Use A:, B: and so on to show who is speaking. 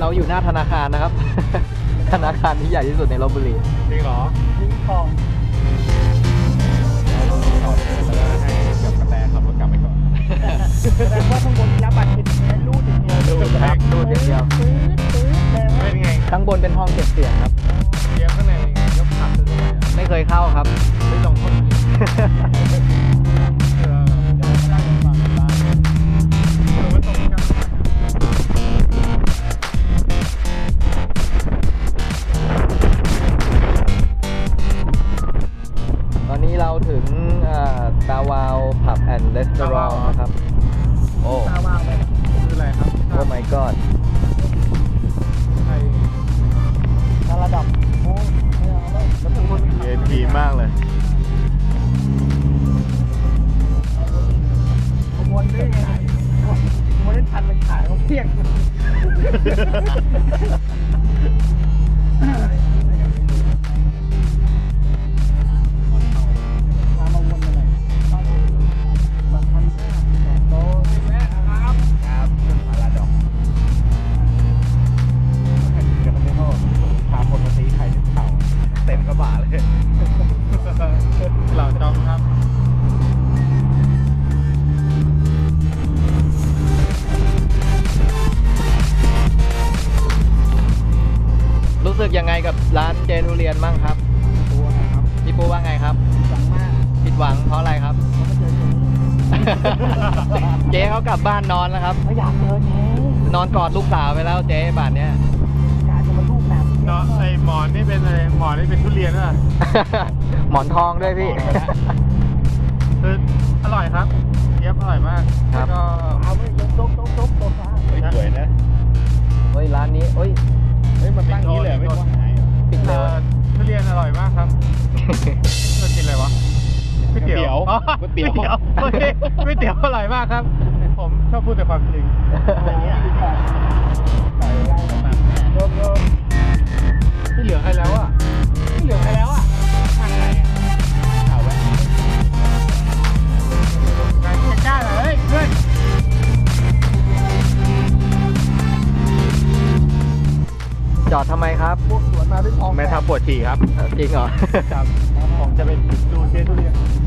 A: เราอยู่หน้าธนาคารนะครับ ธนาคารที่ใหญ่ที่สุดในลพบุรี
B: จริงเหรอ
C: ทิ้งของ
B: ต่อแล้วให้กับกระแตขับรถกลับไปก่อน
C: แสดงว่าข้างบนรับบัตรคิดแค่รูดอย่างเดียว
A: ดูครับดูเดียว
C: ตื้อแล้ว
B: เป็นไง
A: ข้างบนเป็นห้องเก็บเสียงครับ
B: เกียร์ข้างในยกขับซื้อเข้าไปอ่ะ
A: ไม่เคยเข้าครับ
B: ไม่ลองคน
A: ตอนนี้เราถึงตาวาวผับแอนด์รีสอร์ทนะครับ โอ้
C: ตาวาวไป
B: คืออะไรครับ
A: โอ้ my god
B: ไทย
C: ตาระดับโอ้ไม่เอาแล้วแล้วเป็นคน
B: VIP มากเลย
C: ขบวนด้วยไงขบวนได้ทันเป็นขายเขาเที่ยงมาวนมาเลยมา1,500โต๊ะครับครับพาราดอกเดี๋ยวมันไม่เข้าพาคนมาตีไข่เข่าเต็มกระบะเลย
B: เหล่าจอมครับ
A: รู้สึกยังไงกับร้านเจทุเรียนบ้างครับ
C: ตัวนะครับ
A: พี่ปูว่าไงครับ
C: หวังมาก
A: ผิดหวังเพราะอะไรครับ
C: เขาไม่เจอเจ๊
A: เจ๊เขากลับบ้านนอนแล้วครับ
C: เขาอยากเจอเจ๊
A: นอนกอดลูกสาวไปแล้วเจ๊ป่านเนี้ย
C: กะจะมาลูกแบบ
B: เนาะไอหมอนนี่เป็นอะไรหมอนนี่เป็นทุเรียนอ่ะ
A: หมอนทองด้วยพี่
B: คืออร่อยครับเทียบอร่อยมาก
A: ครับ
B: แล้วก็
C: เอาไว้ยกโซฟา
B: สวยนะ
A: เฮ้ยร้านนี้เฮ้ย
B: เฮ้ยมันตั้งนี้เลยไม่ต้องหาย
A: ปิดเร็ว
B: ทุเรียนอร่อยมากครับเรากินอะไรวะก๋วยเตี๋ยวอ๋อ
D: ก๋วยเตี๋ยว
B: ก๋วยเตี๋ยวก๋วยเตี๋ยวอร่อยมากครับ ผมชอบพูดแต่ความจริง
C: อย่างเงี้ยใส่ได้โยก
B: ที่เหลือใครแล้วอ่ะ
C: ที่เหลือไปแล้วอ่ะทางไหนอ่ะ
B: ข่าวแวะงานกล้าเลยเฮ้ยเพื่อน
A: จอดทำไมครับ
C: พวกสวนมาด้วยทอง
B: แม่ทับปวดฉี่ครับ
A: จริงเหรอ
B: ครับผมจะเป็นดูเจทุเรียน